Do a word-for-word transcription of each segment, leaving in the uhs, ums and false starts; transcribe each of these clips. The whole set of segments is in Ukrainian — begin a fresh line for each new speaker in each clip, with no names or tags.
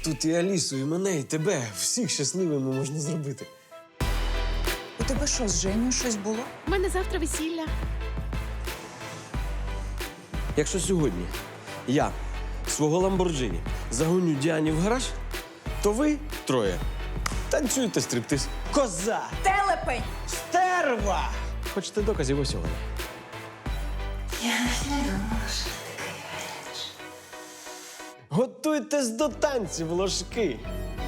Тут і Алісу, і мене, і тебе. Всіх щасливими можна зробити.
У тебе що, з Женю щось було?
У мене завтра весілля.
Якщо сьогодні я свого Ламборджині загоню Діані в гараж, то ви троє танцюєте стриптиз. Коза!
Телепень!
Стерва! Хочете доказів ось сьогодні? Готуйтесь до танців, ложки!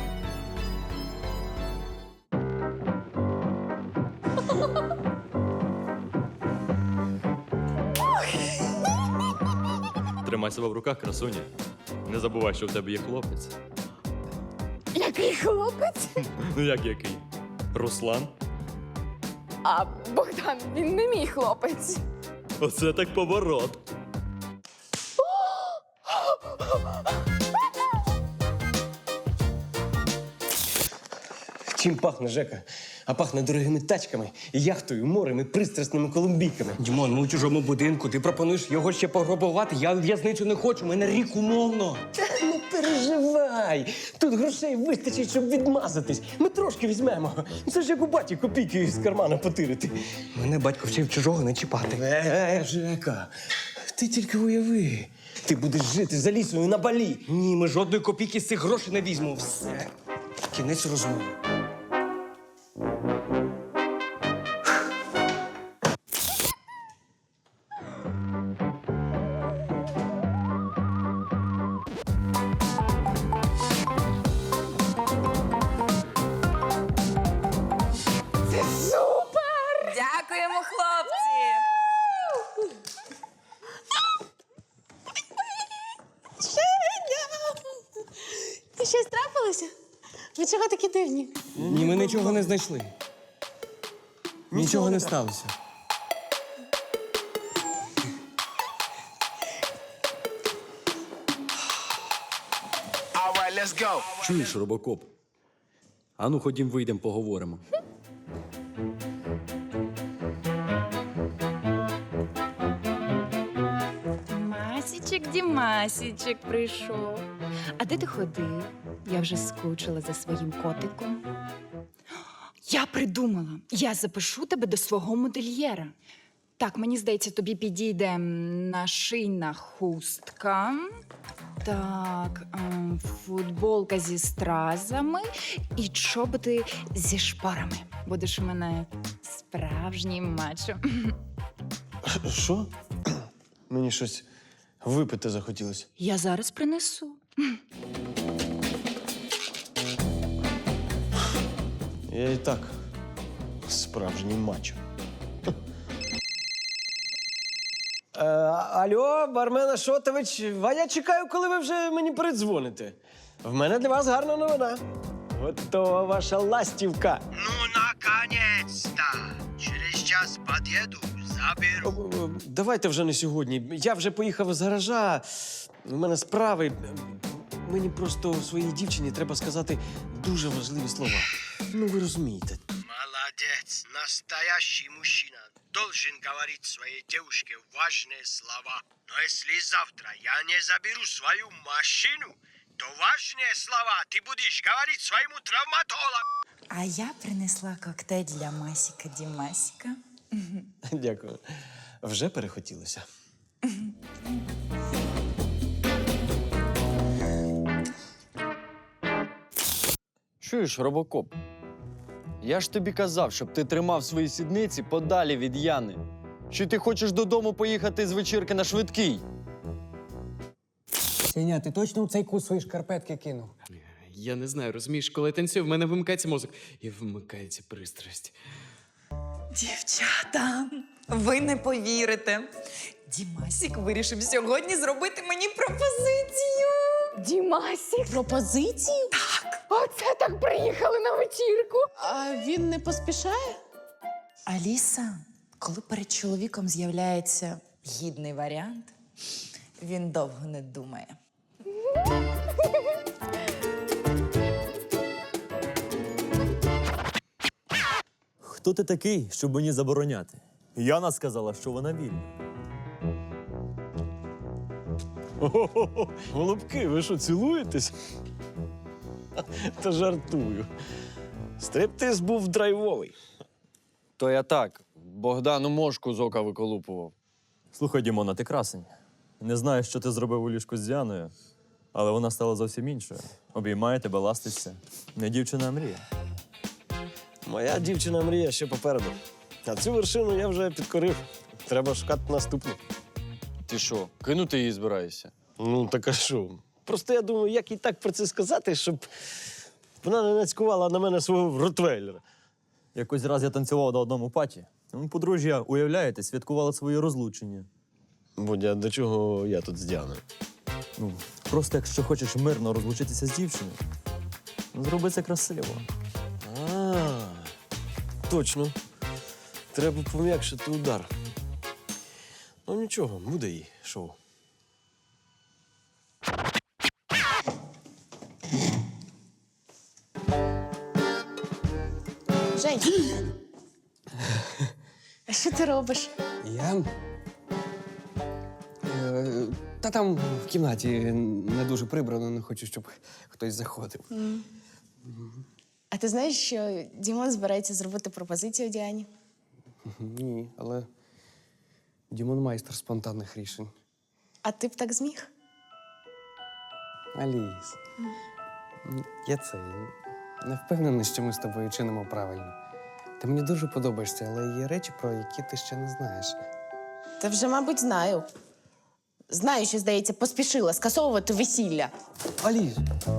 Тримай себе в руках, красуня. Не забувай, що в тебе є хлопець.
Який хлопець?
Ну як який? Руслан?
А Богдан, він не мій хлопець.
Оце так поворот.
Чим пахне, Жека? А пахне дорогими тачками, яхтою, морем і пристрасними колумбійками.
Дімон, ми у чужому будинку. Ти пропонуєш його ще пограбувати. Я в в'язницю не хочу, мене рік умовно.
Та не переживай! Тут грошей вистачить, щоб відмазатись. Ми трошки візьмемо. Це ж як у баті копійки з кармана потирити.
Мене батько вчив чужого не чіпати.
Е, Жека, ти тільки уяви. Ти будеш жити за лісою на Балі.
Ні, ми жодної копійки з цих грошей не візьмемо. Все. Кінець розмови.
Дякуємо, хлопці!
І щось трапилося? Ви чого такі дивні?
Ні, ми нічого не знайшли. Нічого не сталося.
Чуєш, робокоп? Ану, ходім, вийдемо, поговоримо.
Масічек, Дімасічек прийшов. А де ти ходив? Я вже скучила за своїм котиком. Я придумала. Я запишу тебе до свого модельєра. Так, мені здається, тобі підійде нашийна хустка. Так, ем, футболка зі стразами і чоботи зі шпорами. Будеш у мене справжній мачо.
Що? Мені щось випити захотілося.
Я зараз принесу.
Я і так справжній мачо. Е, алло, бармен Ашотович, а я чекаю, коли ви вже мені передзвоните. В мене для вас гарна новина. Готова ваша ластівка.
Ну, наконец-то! Через час подъеду, заберу.
О, о, Давайте вже не сьогодні. Я вже поїхав з гаража. У мене справи. Мені просто своїй дівчині треба сказати дуже важливі слова. Ну, ви розумієте.
Молодец! Настоящий мужчина должен говорить своей девушке важные слова. Но если завтра я не заберу свою машину, то важные слова ты будешь говорить своему травматологу.
А я принесла коктейль для Масіка Дімасіка.
Дякую. Вже перехотілося.
Чуєш, робокоп? Я ж тобі казав, щоб ти тримав свої сідниці подалі від Яни. Чи ти хочеш додому поїхати з вечірки на швидкий?
Сеня, ти точно у цей кут свої шкарпетки кинув?
Я не знаю, розумієш, коли я танцюю, в мене вимикається мозок і вмикається пристрасть.
Дівчата, ви не повірите. Дімасік вирішив сьогодні зробити мені пропозицію.
Дімасік?
Пропозицію?
Так. Оце так приїхали на вечірку. А він не поспішає?
Аліса, коли перед чоловіком з'являється гідний варіант, він довго не думає.
Хто ти такий, щоб мені забороняти? Яна сказала, що вона вільна.
О-хо-хо! Голубки, ви що, цілуєтесь? Та жартую. Стриптиз був драйвовий.
То я так, Богдану мошку з ока виколупував.
Слухай, Дімона, ти красень. Не знаю, що ти зробив у ліжку з Діаною, але вона стала зовсім іншою. Обіймає тебе, ластиться. Не дівчина, а мрія.
Моя дівчина мрія ще попереду. А цю вершину я вже підкорив. Треба шукати наступну.
Ти що, кинути її збираєшся?
Ну, так а що? Просто я думаю, як їй так про це сказати, щоб вона не нацькувала на мене свого ротвейлера.
Якось раз я танцював на одному паті. Ну, подружжя, уявляєте, святкували своє розлучення.
Бодя, до чого я тут з Діаною?
Ну, просто якщо хочеш мирно розлучитися з дівчиною, ну, зроби це красиво.
А, точно. Треба пом'якшити удар. Ну нічого, буде їй шоу.
Жень, а що ти робиш?
Я. Е, Та там в кімнаті не дуже прибрано, не хочу, щоб хтось заходив.
А ти знаєш, що Дімон збирається зробити пропозицію Діані?
Ні, але Дімон майстер спонтанних рішень.
А ти б так зміг?
Аліс. Я це не впевнений, що ми з тобою чинимо правильно. Ти мені дуже подобаєшся, але є речі, про які ти ще не знаєш.
Та вже, мабуть, знаю. Знаю, що, здається, поспішила скасовувати весілля.
Аліс!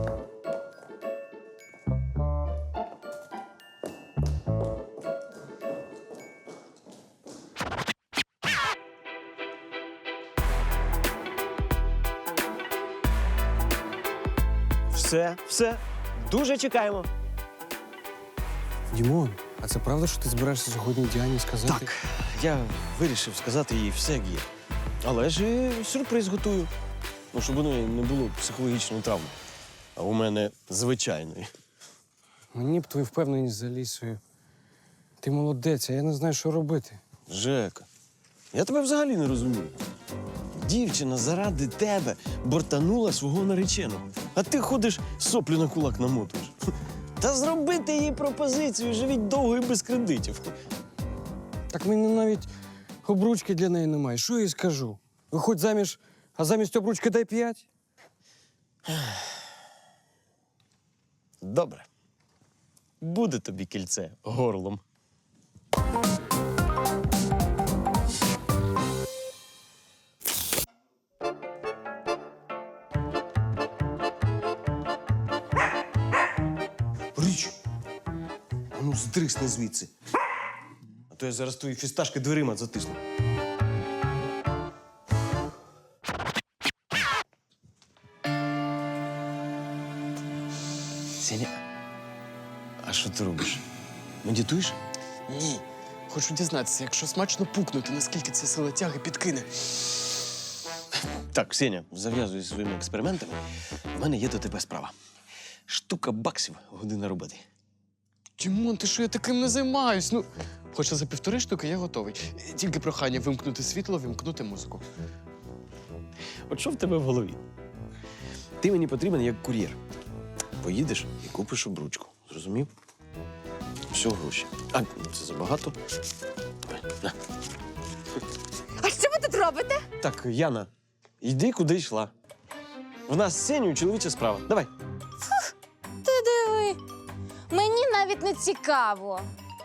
Все, все. Дуже чекаємо.
Дімон, а це правда, що ти збираєшся сьогодні Діані сказати?
Так, я вирішив сказати їй все, як є. Але ж і сюрприз готую. Ну, щоб у неї не було психологічної травми. А у мене звичайної.
Мені б твою впевненість за Лісою. Ти молодець, а я не знаю, що робити.
Жека, я тебе взагалі не розумію. Дівчина заради тебе бортанула свого нареченого. А ти ходиш, соплю на кулак намотуєш. Та зробити їй пропозицію, живіть довго і без кредитів.
Так в мене навіть обручки для неї немає. Що я їй скажу? Виходь заміж, а замість обручки дай п'ять.
Добре. Буде тобі кільце горлом. Річ! А ну, здрисни звідси. А то я зараз твої фісташки дверима затисну. Сеня, а що ти робиш? Медитуєш?
Ні. Хочу дізнатися, якщо смачно пукнути, наскільки ця сила тяги підкине.
Так, Сеня, зав'язуй зі своїми експериментами. У мене є до тебе справа. Штука баксів, година роботи.
Дімон, ти що я таким не займаюсь? Ну, хоча за півтори штуки я готовий. Тільки прохання вимкнути світло, вимкнути музику.
От що в тебе в голові? Ти мені потрібен як кур'єр. Поїдеш і купиш обручку. Зрозумів? Все гроші. А, це забагато. Давай, на.
А що ви тут робите?
Так, Яна, йди, куди йшла. В нас з Сенею чоловіча справа. Давай.
Ти диви. Мені навіть не цікаво.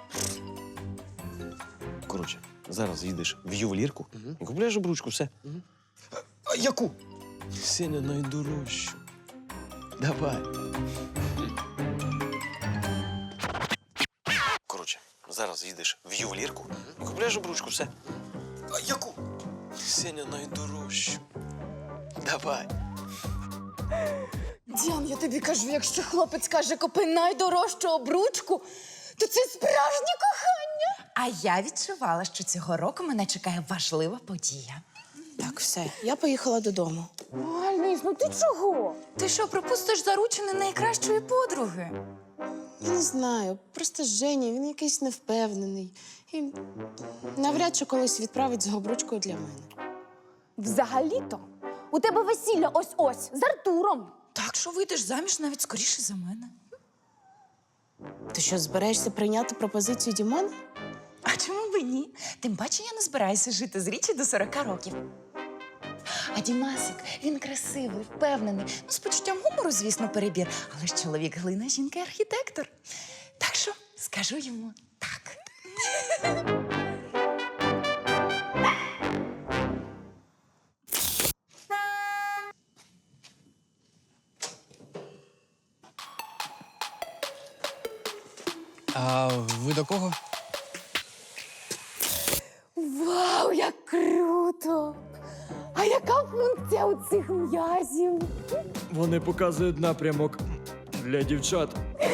Коротше, зараз їдеш в ювелірку і купляєш обручку, все. А яку? Сеня найдорожчу. Давай. Коротше, зараз їдеш в ювелірку і купляєш обручку, все. А яку? Сеня найдорожчу. Давай.
Діан, я тобі кажу, якщо хлопець каже, купи найдорожчу обручку, то це справжнє кохання.
А я відчувала, що цього року мене чекає важлива подія.
Так, все, я поїхала додому.
Аліс, ну ти чого?
Ти що, пропустиш заручини найкращої подруги?
Я не знаю, просто Женя, він якийсь невпевнений. І навряд чи колись відправить з обручкою для мене.
Взагалі-то у тебе весілля ось-ось з Артуром.
так що вийдеш заміж навіть скоріше за мене.
Ти що, збираєшся прийняти пропозицію Дімона?
А чому б і ні? Тим паче я не збираюся жити з Річі до сорока років. А Дімасик, він красивий, впевнений. Ну, з почуттям гумору, звісно, перебір. Але ж чоловік глина, жінка архітектор. Так що скажу йому так.
А ви до кого?
Вау, як круто! А яка функція у цих м'язів?
Вони показують напрямок для дівчат.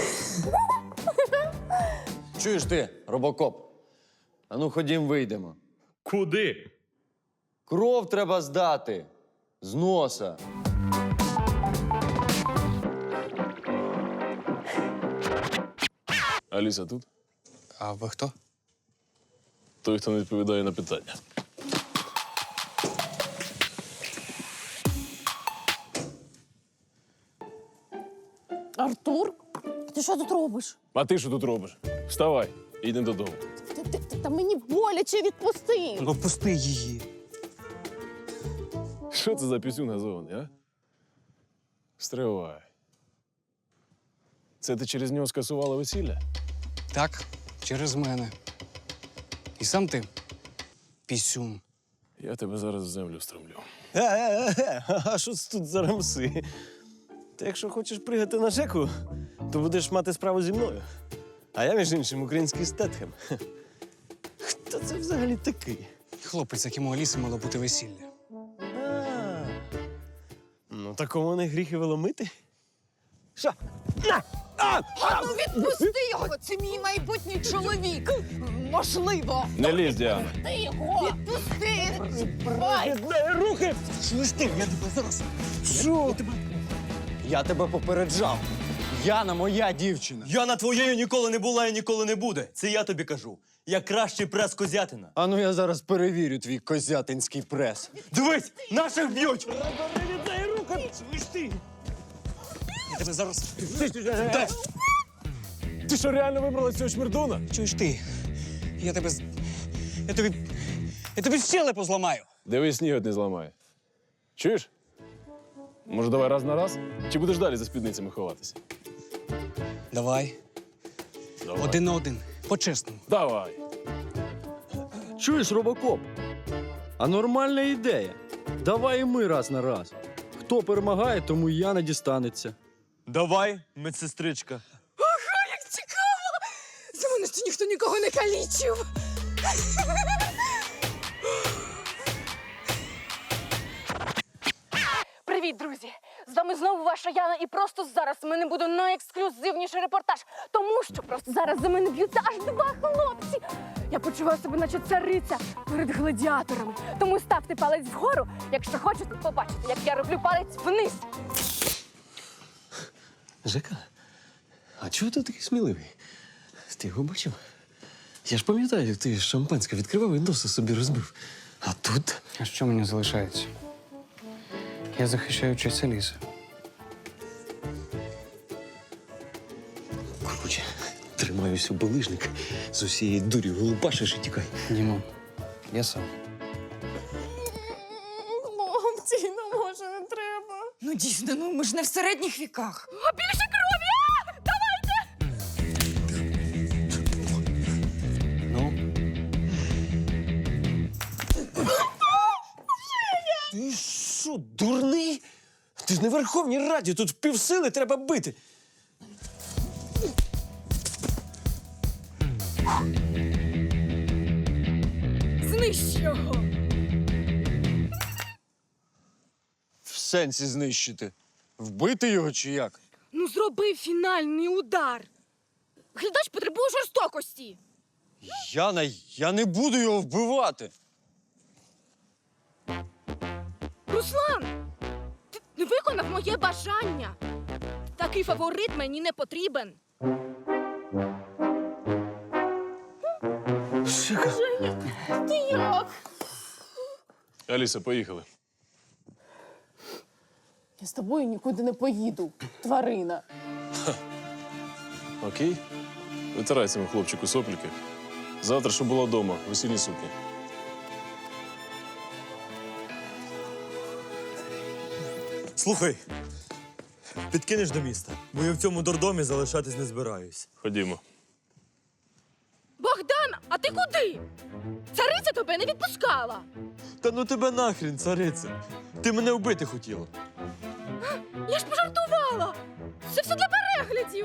Чуєш ти, робокоп? Ану, ходім, вийдемо.
Куди?
Кров треба здати. З носа.
Аліса тут?
А ви хто?
Той, хто не відповідає на питання.
Артур, ти що тут робиш?
А ти що тут робиш? Вставай, йдемо додому.
Та, та, та, та мені боляче, відпусти.
Ну, пусти її.
Що це за пісюн газований, а? Стривай. Це ти через нього скасувала весілля?
Так, через мене. І сам ти пісюн.
Я тебе зараз в землю стромлю.
Е-е-е, а що це тут за рамси? Ти якщо хочеш пригати на Жеку, то будеш мати справу зі мною. А я, між іншим, український Стетхем. Хто це взагалі такий?
Хлопець, якому у Аліси мало бути весілля.
А, ну, такому не гріх і веломити. Що? На! А!
Ну відпусти його! Це мій майбутній чоловік! Можливо!
Не лізь, Діана.
Ти його! Відпусти! Ой!
Рухи!
Чуєш ти? Я тебе зараз.
Що?
Я тебе попереджав. Яна моя дівчина.
Яна твоєю ніколи не була і ніколи не буде. Це я тобі кажу. Я кращий прес козятина.
Ану, ну, я зараз перевірю твій козятинський прес.
Дивись, наших б'ють!
Не віддай руки! Чуєш ти?
Я тебе зараз.
Ти що, реально вибрала цього шмердуна?
Чуєш ти? Я тебе. з- Я тобі. Я тобі щелепу зламаю.
Дивись, снігот не зламає. Чуєш? Може, давай раз на раз? Чи будеш далі за спідницями ховатися?
Давай.
Давай.
Один на один. По-чесному.
Давай.
Чуєш, робокоп? А нормальна ідея. Давай і ми раз на раз. Хто перемагає, тому і Яна дістанеться.
Давай, медсестричка.
Як цікаво! За мене ще ніхто нікого не калічив!
Привіт, друзі! З вами знову ваша Яна, і просто зараз в мене буде найексклюзивніший репортаж. Тому що просто зараз за мене б'ються аж два хлопці. Я почуваю себе, наче цариця перед гладіаторами. Тому ставте палець вгору, якщо хочете побачити, як я роблю палець вниз.
Жека, а чого ти такий сміливий? Ти його бачив? Я ж пам'ятаю, як ти шампанське відкривав і носа собі розбив. А тут?
А що мені залишається? Я захищаю честь Аліси.
Короче, тримаюсь у булижник, з усієї дурі голубашиш і тікай.
Дімон, я сам.
Хлопці, ну може не треба.
Ну дійсно, ну ми ж не в середніх віках.
А більше крові! А! Давайте!
Ну,
Ти що, дурний? Ти ж не в Верховній Раді, тут півсили треба бити.
Знищ його!
В сенсі знищити. Вбити його чи як?
Ну зроби фінальний удар. Глядач потребує жорстокості.
Яна, я не буду його вбивати.
Руслан, ти не виконав моє бажання. Такий фаворит мені не потрібен.
Жека,
Ти як?
Аліса, поїхали.
Я з тобою нікуди не поїду, тварина.
Окей? Витирай цьому хлопчику сопліки. Завтра, щоб була вдома, весільні сукні.
Слухай, підкинеш до міста, бо я в цьому дурдомі залишатись не збираюсь.
Ходімо.
Богдан, а ти куди? Цариця тебе не відпускала.
Та ну тебе нахрін, цариця. Ти мене вбити хотіла.
Я ж пожартувала. Це все для переглядів.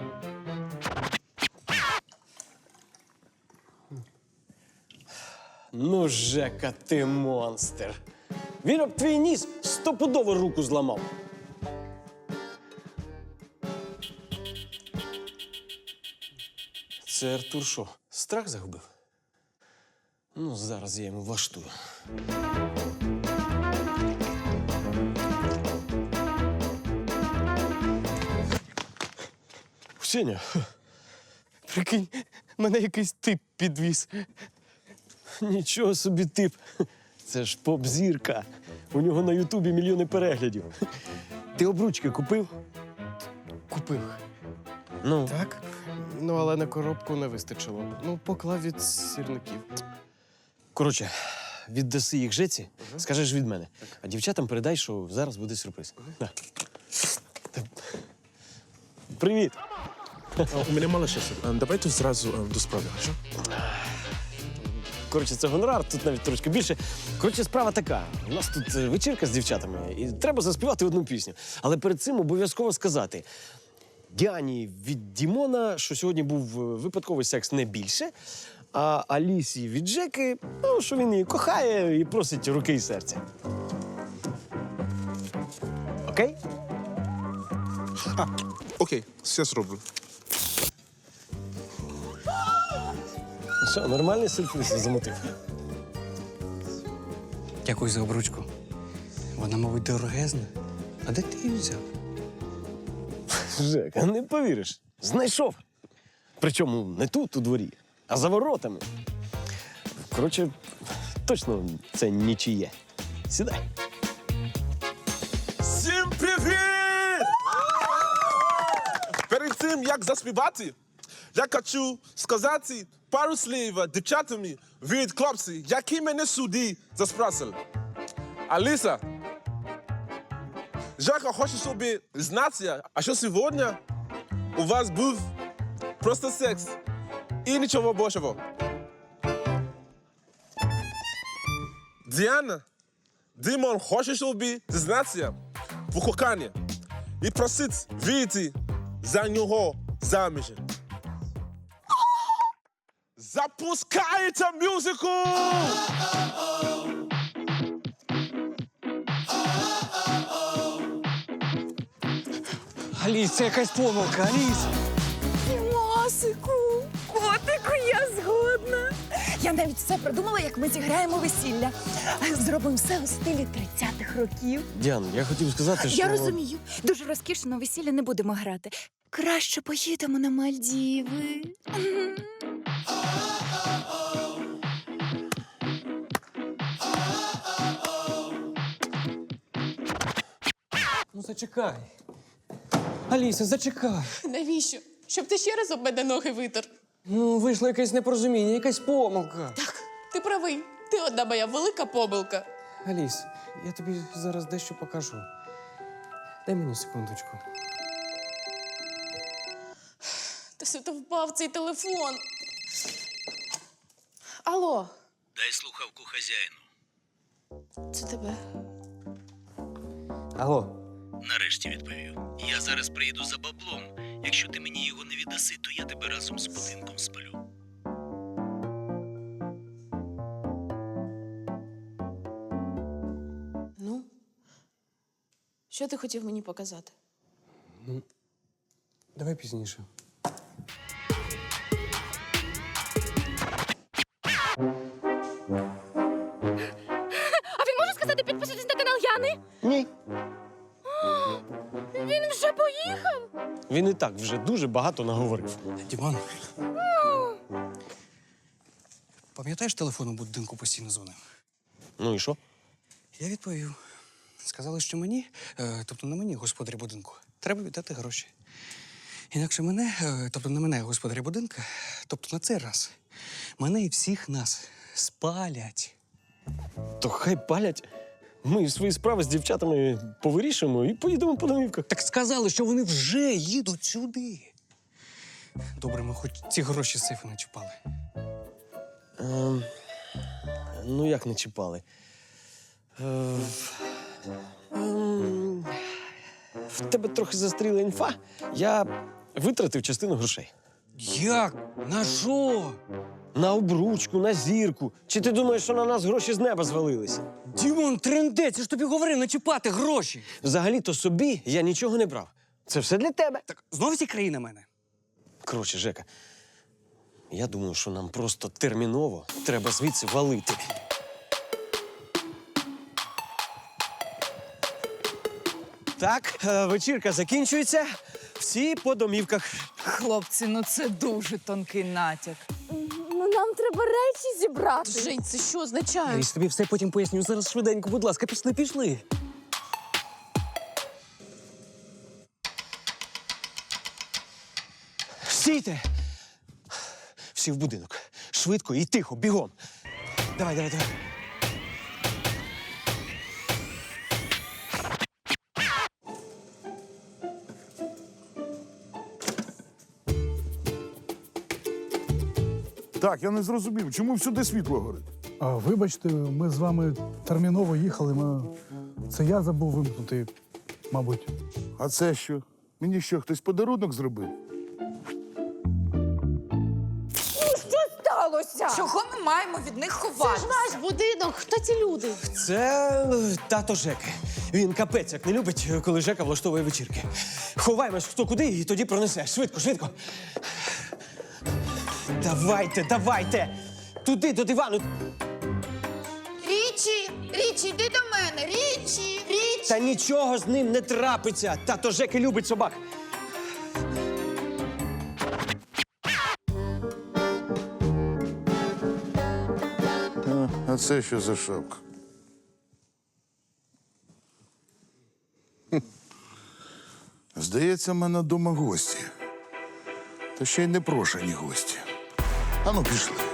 Ну, Жека, ти монстр. Він об твій ніс стопудово руку зламав. Це Артур що, страх загубив? Ну, зараз я йому влаштую. Сеня,
Прикинь, мене якийсь тип підвіз.
нічого собі тип. Це ж поп-зірка. У нього на Ютубі мільйони переглядів. Ти обручки купив?
Купив.
Ну.
Так? Ну, але на коробку не вистачило. Ну, поклав від сірників.
Коротше, віддаси їх Жеці, скажеш від мене. А дівчатам передай, що зараз буде сюрприз. На. Привіт.
У мене мало часу. Давайте зразу до справи. Що?
Коротше, це гонорар, тут навіть трошки більше. Коротше, справа така. У нас тут е, вечірка з дівчатами, і треба заспівати одну пісню. Але перед цим обов'язково сказати Діані від Дімона, що сьогодні був е, випадковий секс не більше, а Алісі від Жеки, ну, що він її кохає і просить руки і серця. Окей?
А, окей, все зроблю.
Що, нормальний сюрприз замотив?
Дякую за обручку. Вона, мабуть, дорогезна. А де ти її взяв?
Жека, не повіриш. Знайшов. Причому не тут, у дворі, а за воротами. Коротше, точно це нічиє. Сідай.
Всім привіт! Перед тим, як заспівати, я хочу сказати пару слів дівчатами від хлопців, які мене сюди заспросили. Аліса, Жека хоче, щоб знати, а що сьогодні у вас був просто секс і нічого більшого. Діана, Дімон хоче, щоб зізнатися в коханні і просить вийти за нього заміж. Запускайте музику!
Аліс, це якась помилка, Аліс!
Дімасику, котику, я згодна. Я навіть все продумала, як ми зіграємо весілля. Зробимо все у стилі тридцятих років.
Діан, я хотів сказати, що...
Я розумію. Дуже розкішно весілля не будемо грати. Краще поїдемо на Мальдіви.
Ну, зачекай. Аліса, зачекай.
Навіщо? Щоб ти ще раз об мене ноги витер.
Ну, вийшло якесь непорозуміння, якась помилка.
Так, ти правий. Ти одна моя велика помилка.
Аліс, я тобі зараз дещо покажу. Дай мені секундочку.
Та сюди впав цей телефон. Алло,
Дай слухавку хазяїну.
це тебе.
Алло.
Нарешті відповів. Я зараз приїду за баблом. Якщо ти мені його не віддаси, то я тебе разом з будинком спалю.
Ну, що ти хотів мені показати?
Ну, давай пізніше.
А він може сказати підписатись на канал Яни?
Ні.
Він вже поїхав.
Він і так вже дуже багато наговорив.
Діман. Пам'ятаєш телефон у будинку постійно дзвонив?
Ну і що?
Я відповів. Сказали, що мені, е, тобто на мені, господарі будинку, треба віддати гроші. Інакше мене, е, тобто на мене, господарі будинка, тобто на цей раз, мене і всіх нас спалять.
То хай палять. Ми свої справи з дівчатами повирішимо і поїдемо по домівках.
Так сказали, що вони вже їдуть сюди. Добре, ми хоч ці гроші з сейфу не чіпали.
Ем, ну, як не чіпали? Е, ем, в тебе трохи застріла інфа. Я витратив частину грошей.
Як? На що?
На обручку, на зірку. Чи ти думаєш, що на нас гроші з неба звалилися?
Дімон, трендець, я ж тобі говорив, не чіпати гроші.
Взагалі-то собі я нічого не брав. Це все для тебе.
Так знову ці краї на мене.
Коротше, Жека, я думаю, що нам просто терміново треба звідси валити. Так, е, вечірка закінчується. Всі по домівках.
Хлопці, ну це дуже тонкий натяк.
Ну нам треба речі зібрати.
Жень, це що означає?
Я тобі все потім поясню. Зараз швиденько, будь ласка, пішли, пішли.
Стійте! Всі в будинок. Швидко і тихо, бігом. Давай, давай, давай.
Так, я не зрозумів, чому всюди світло горить?
А, вибачте, ми з вами терміново їхали. Ми... Це я забув вимкнути, мабуть.
А це що? Мені що, хтось подарунок зробив?
Що сталося? Чого ми маємо від них ховатися?
Це ж ваш будинок. Хто ці люди?
Це е, тато Жеки. Він капець як не любить, коли Жека влаштовує вечірки. Ховаємось хто куди і тоді пронесе. Швидко, швидко. Давайте, давайте! Туди, до дивану.
Річі! Річі, йди до мене! Річі! Річі!
Та нічого з ним не трапиться. Тато Жеки любить собак.
А, а це що за шапка? Хм. Здається, в мене вдома гості. Та ще й непрошені гості. Ану, пішли.